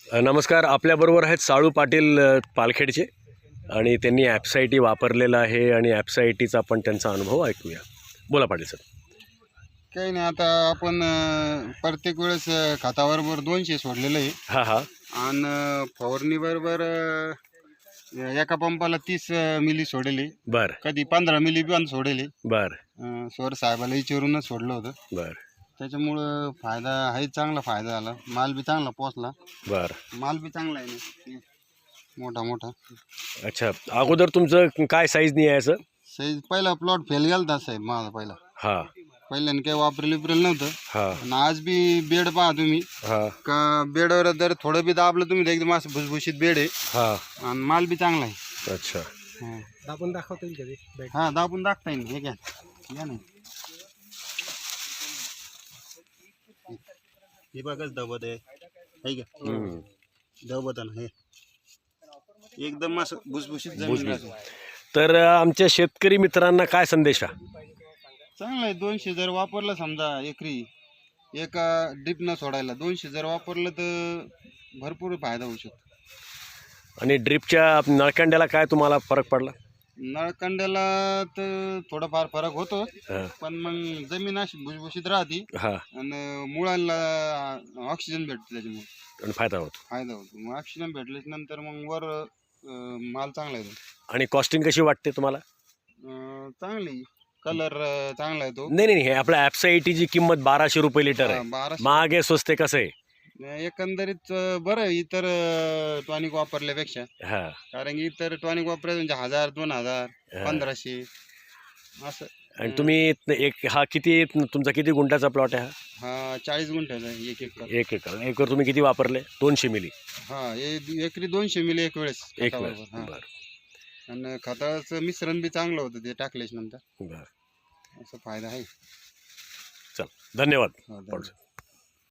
नमस्कार. आपल्याबरोबर आहेत साळू पाटील पालखेडचे आणि त्यांनी ॲप्साइटी वापरलेला आहे आणि ॲप्साइटीचा आपण त्यांचा अनुभव ऐकूया. बोला पाटील सर. काही नाही, आता आपण प्रत्येक वेळेस खताबरोबर 200 सोडलेलं आहे हां हां आणि फवारणी बरोबर एका पंपाला 30 मिली सोडले, बरं कधी 15 मिली पण सोडले. बरं स्वर साहेबाला विचारूनच सोडलं होतं. बरं त्याच्यामुळं फायदा आहे, चांगला फायदा झाला. माल बी चांगला पोचला, बरं. माल बी चांगला आहे ना, मोठा मोठा. अच्छा, अगोदर तुमचं काय साईज नाही यायचं? साईज पहिला प्लॉट फेल गेला साहेब माझा पहिला. हां पहिल्याने काही वापरेल नव्हतं. हां आणि आज बी बेड पहा तुम्ही, हां का बेडवर जर थोडं बी दाबलं तुम्ही तर एकदम असं भुसभुशीत बेड आहे हां. आणि माल बी चांगला आहे. अच्छा, दाबून दाखवता येईल कधी? हा, दाबून दाखता येईल. हे घ्या, घ्या नाही. हे बघाच दबत आहे, हे घ्या दबत आहे हे एकदम असं भुसभुशीत जमीन राहते. तर आमच्या शेतकरी मित्रांना काय संदेश आहे? चांगलं आहे. 200 जर वापरलं समजा एकरी, एका ड्रीप न सोडायला 200 जर वापरलं तर भरपूर फायदा होऊ शकतो. आणि ड्रिपच्या नळकांड्याला काय तुम्हाला फरक पडला? नळकांड्याला तर थोडाफार फरक होतो, हां पण मग जमीन अशी भुसभुशीत राहते हां आणि मुळांना ऑक्सिजन भेटतो, त्याच्यामुळे आणि फायदा होतो. फायदा होतो. मग ऑक्सिजन भेटल्याच्या नंतर मग वर माल चांगला येतो. आणि कॉस्टिंग कशी वाटते तुम्हाला? चांगली, कलर चांगला येतो. नाही नाही, हे आपल्या ॲप्साइटीची किंमत 1200 रुपये लिटर आहे. 1200. महाग आहे स्वस्त आहे कसं आहे? एकंदरीत बरं आहे इतर टॉनिक वापरल्यापेक्षा. हां कारण की इतर टॉनिक वापरायचं म्हणजे 1000, 2000, हां. 1500 असं. आणि तुम्ही एक हा किती तुमचा किती गुंठाचा प्लॉट आहे हा? हा 40 गुंठ्याचा आहे, एक एकर. एक एकर तुम्ही किती वापरले? 200 मिली हा, एकरी 200 मिली एक वेळेस एक खताबरोबर. वेळेस. हा. बरं आणि खताचं मिश्रण बी चांगलं होतं ते टाकल्याच्या नंतर. बरं. असा फायदा आहे. चल, धन्यवाद हा, धन्यवाद. पाटील.